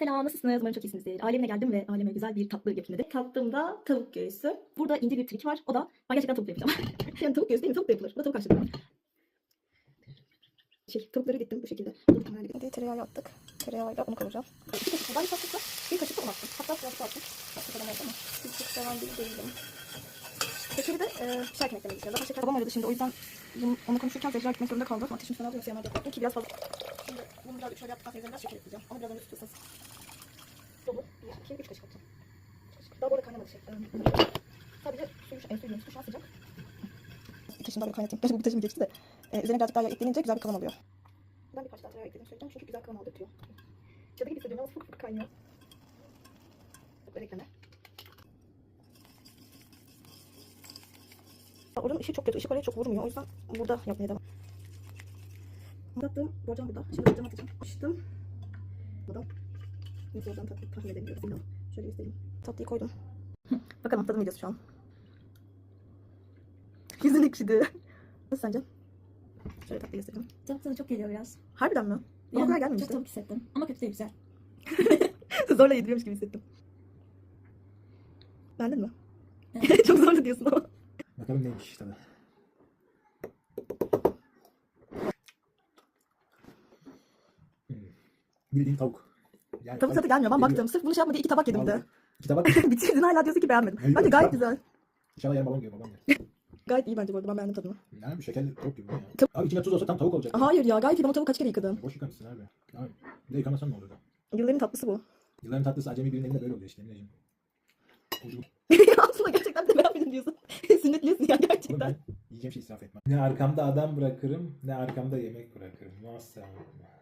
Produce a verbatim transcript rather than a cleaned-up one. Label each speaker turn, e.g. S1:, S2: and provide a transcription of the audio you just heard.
S1: Selam, nasılsınız? Umarım çok iyisinizdir. Alemine geldim ve aleme güzel bir tatlı yapayım dedim. Tattığımda tavuk göğsü. Burada ince bir trik var. O da ben gerçekten tavuk yapacağım. Yani tavuk göğsü değil mi? Tavuk da yapılır. Bu da tavuk haşladım. Şey, tavukları diktim bu şekilde. Hadi tereyağı attık. Tereyağıyla onu kavuracağım. İki kaşık kadar tatlısı. Bir kaşık da un attım. Hatta biraz attım. Tatlı kadar ama bir çok seven biri değilim. Şekeri de e, pişerken eklemek istiyorum. Zaten şeker babam aradı şimdi. O yüzden bunu, onu konuşurken Zehra gitmek zorunda kaldım. Ateşim falan yoksa yanına yaptım ki biraz fazla. Şimdi bunu biraz şöyle yaptıktan sonra biraz şeker ekleyeceğim. Ama biraz önce tutuyorsanız. Dolu. bir, iki, üç kaşık atacağım. Daha bu arada kaynamadı şey. Sadece suyu, e, suyu, su şu an sıcak. Bir taşını daha böyle kaynatayım. Gerçi bu bir taşım geçti de. E, üzerine birazcık daha yağ eklenince güzel bir kıvam alıyor. Ben birkaç daha tereyağı ekledim söyleyeceğim çünkü güzel kıvam aldırtıyor. Cadı gibi hissediyorum ama fık fık kaynıyor. Böyle ekleme. Oranın ışığı çok kötü. Işık oraya çok vurmuyor. O yüzden burada yapmaya devam. Anlattığım borcam burada. Şimdi borcam atacağım. Açtım. Burada. Nasıl olacağını tatlı tahmin edebiliyorum. Şöyle göstereyim. Tatlıyı koydum. Bakalım tadım videosu şu an. Yüzün ekşidi. Nasıl sence? Şöyle tatlı göstereyim.
S2: Tadı tadı çok geliyor biraz.
S1: Harbiden mi? Bana o kadar gelmemişti.
S2: Çok tavuk hissettim. Ama kötü değil, güzel.
S1: Zorla yediriyormuş gibi hissettim. Beğendin mi?
S2: Evet.
S1: Çok zorla diyorsun ama.
S3: Bakalım neymiş tadı. Hmm. Bildiğin tavuk. Yani
S1: Tavuk tadı gelmiyor. Ben baktım. Sırf bunu şey yapma diye iki tabak yedim de.
S3: Vallahi İki tabak.
S1: Bitirdin hala diyorsun ki beğenmedim.
S3: Hayır,
S1: Bence
S3: yok,
S1: gayet
S3: yok.
S1: güzel.
S3: İnşallah yarın babam yiyor, babam yer.
S1: Gayet iyi bence bu arada. Ben beğendim tadını.
S3: Yani bir şekerli tavuk gibi bu ya.
S1: Tav-
S3: Abi içine tuz olsa tam tavuk olacak.
S1: Hayır ya gayet iyi. Ben o tavuğu kaç kere yıkadım.
S3: Boş yıkamışsın abi. Abi bir de yıkamasan ne olur da.
S1: Yılların tatlısı bu.
S3: Yılların tatlısı acemi birinin elinde böyle oluyor işte. Emineciğim. Oldu.
S1: Aslında gerçekten de beğenmedim diyorsun. Sünnetliyorsun ya
S3: Oğlum
S1: gerçekten.
S3: ben yiyeceğim şey israf etmem. Ne arkamda adam bırakırım ne arkamda yemek bırakırım. Maşallah.